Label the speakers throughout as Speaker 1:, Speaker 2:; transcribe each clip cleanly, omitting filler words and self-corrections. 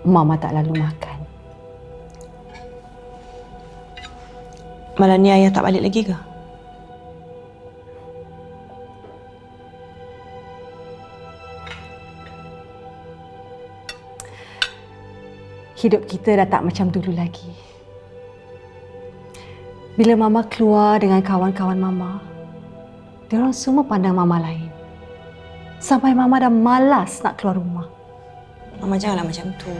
Speaker 1: Mama tak lalu makan.
Speaker 2: Malam ni ayah tak balik lagi ke?
Speaker 1: Hidup kita dah tak macam dulu lagi. Bila Mama keluar dengan kawan-kawan Mama, diorang semua pandang Mama lain. Sampai Mama dah malas nak keluar rumah.
Speaker 2: Mama janganlah macam tu.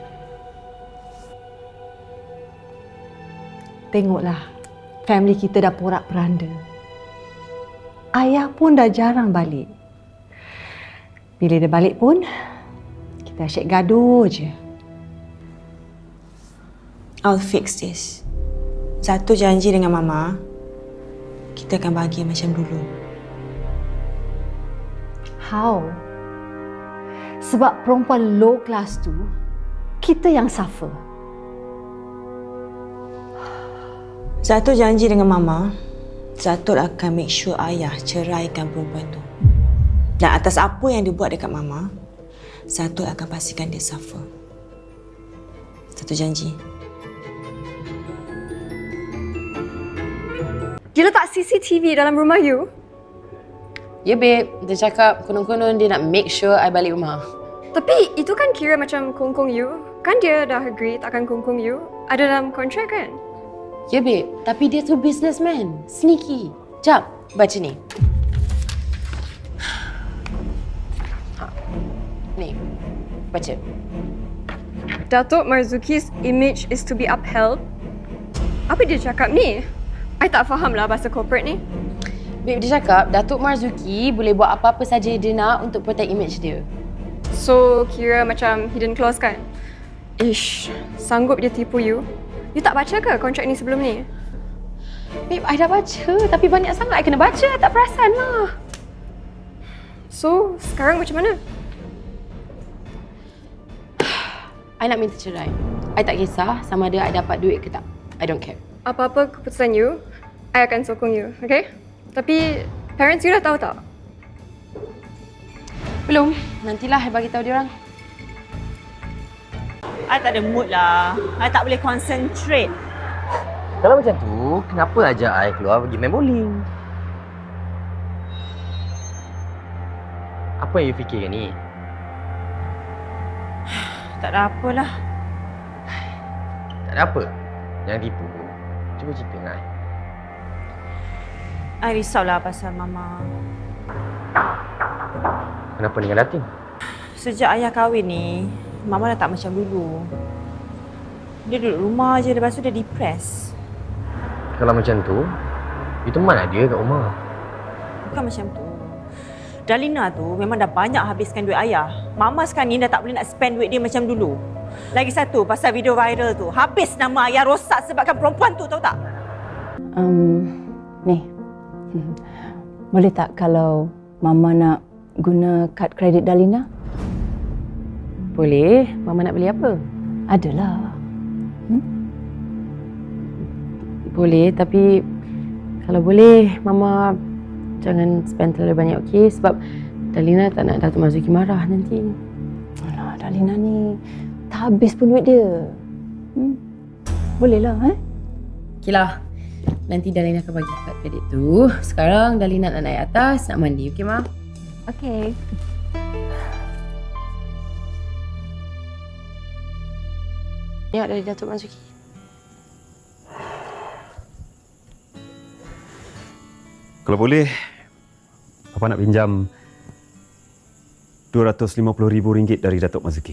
Speaker 1: Tengoklah, family kita dah porak-peranda. Ayah pun dah jarang balik. Bila dia balik pun, kita asyik gaduh je.
Speaker 2: I'll fix this. Satu janji dengan Mama, kita akan bahagia macam dulu.
Speaker 1: How? Sebab perempuan low class tu, kita yang suffer.
Speaker 2: Satu janji dengan Mama, Zatul akan make sure ayah ceraikan perempuan tu. Dan atas apa yang dia buat dekat Mama, Zatul akan pastikan dia suffer. Satu janji.
Speaker 3: Dia letak CCTV dalam rumah you?
Speaker 4: Ya, babe. Dia cakap konon-konon dia nak make sure I balik rumah.
Speaker 3: Tapi itu kan kira macam kongkong you. Kan dia dah agree takkan kongkong you. Ada dalam kontrak kan?
Speaker 4: Ya, babe. Tapi dia tu businessman. Sneaky. Jap, baca ni. Ni, baca.
Speaker 3: Datuk Marzuki's image is to be upheld. Apa dia cakap ni? I tak faham lah bahasa corporate ni.
Speaker 4: Babe, dia cakap Datuk Marzuki boleh buat apa-apa saja dia nak untuk protect image dia.
Speaker 3: So, kira macam hidden clause kan? Ish, sanggup dia tipu you? You tak baca ke kontrak ni sebelum ni?
Speaker 4: Babe, I dah baca. Tapi banyak sangat I kena baca. I tak perasan lah.
Speaker 3: So, sekarang macam mana?
Speaker 4: I nak minta cerai. I tak kisah sama ada I dapat duit ke tak. I don't care.
Speaker 3: Apa-apa keputusan you, I akan sokong you, okay? Tapi, parents you dah tahu tak?
Speaker 4: Belum. Nantilah I bagi tahu dia orang.
Speaker 2: I tak ada mood lah. I tak boleh concentrate.
Speaker 5: Kalau macam tu, kenapa ajak I keluar pergi main bowling? Apa yang you fikirkan ni?
Speaker 2: Tak ada apalah.
Speaker 5: Tak ada apa. Jangan tipu. Cuba cerita dengan I.
Speaker 2: I risaulah pasal Mama.
Speaker 5: Kenapa dengan Datin?
Speaker 2: Sejak ayah kahwin ni, Mama dah tak macam dulu. Dia duduk rumah je, lepas tu dia depressed.
Speaker 5: Kalau macam tu, you teman dia kat rumah.
Speaker 2: Bukan macam tu. Dalina tu memang dah banyak habiskan duit ayah. Mama sekarang ni dah tak boleh nak spend duit dia macam dulu. Lagi satu, pasal video viral tu. Habis nama ayah rosak sebabkan perempuan tu, tahu tak?
Speaker 1: Ni. Boleh tak kalau Mama nak guna kad kredit Dalina?
Speaker 4: Boleh. Mama nak beli apa?
Speaker 1: Adalah.
Speaker 4: Boleh, tapi kalau boleh, Mama jangan spend terlalu banyak, okey? Sebab Dalina tak nak Datuk Marzuki marah nanti.
Speaker 1: Alah, Dalina ni tak habis pun duit dia. Bolehlah,
Speaker 4: Okeylah. Nanti Dalina akan bagi kad kredit tu. Sekarang Dalina nak naik atas, nak mandi, okey, Ma?
Speaker 1: Okey.
Speaker 4: Tengok dari Datuk Marzuki.
Speaker 6: Kalau boleh, Papa nak pinjam RM250,000 dari Datuk Marzuki.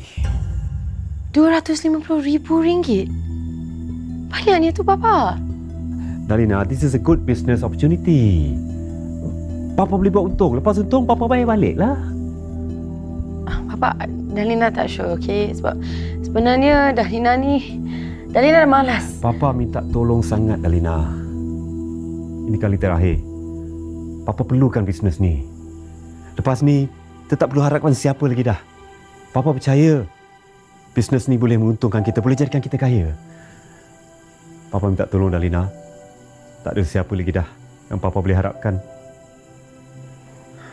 Speaker 4: RM250,000? Banyaknya tu, Papa.
Speaker 6: Dalina, this is a good business opportunity. Papa boleh buat untung. Lepas untung, Papa bayar balik lah.
Speaker 4: Papa, Dalina tak sure, okey? Sebab sebenarnya Dalina dah malas.
Speaker 6: Papa minta tolong sangat, Dalina. Ini kali terakhir. Papa perlukan bisnes ni. Lepas ni, kita tak perlu harapkan siapa lagi dah. Papa percaya bisnes ni boleh menguntungkan kita, boleh jadikan kita kaya. Papa minta tolong, Dalina. Tak ada siapa lagi dah yang Papa boleh harapkan.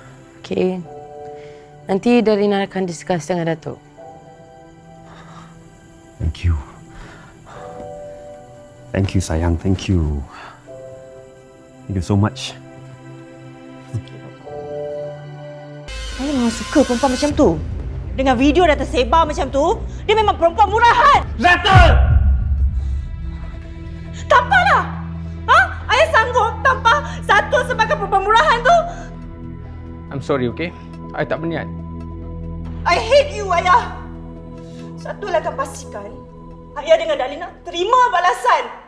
Speaker 4: Okey. Nanti Dalina akan discuss dengan Datuk.
Speaker 6: Thank you. Thank you, sayang. Thank you. Thank you so much.
Speaker 2: Saya memang suka perempuan macam tu. Dengan video dah tersebar macam tu, dia memang perempuan murahan.
Speaker 5: Zatul!
Speaker 2: Tak apalah. Ha? Ayah sanggup tanpa Zatul sebagai perempuan murahan tu?
Speaker 5: I'm sorry, okay? I tak berniat.
Speaker 2: I hate you, Ayah. Zatul akan pastikan Ayah dengan Dalina terima balasan.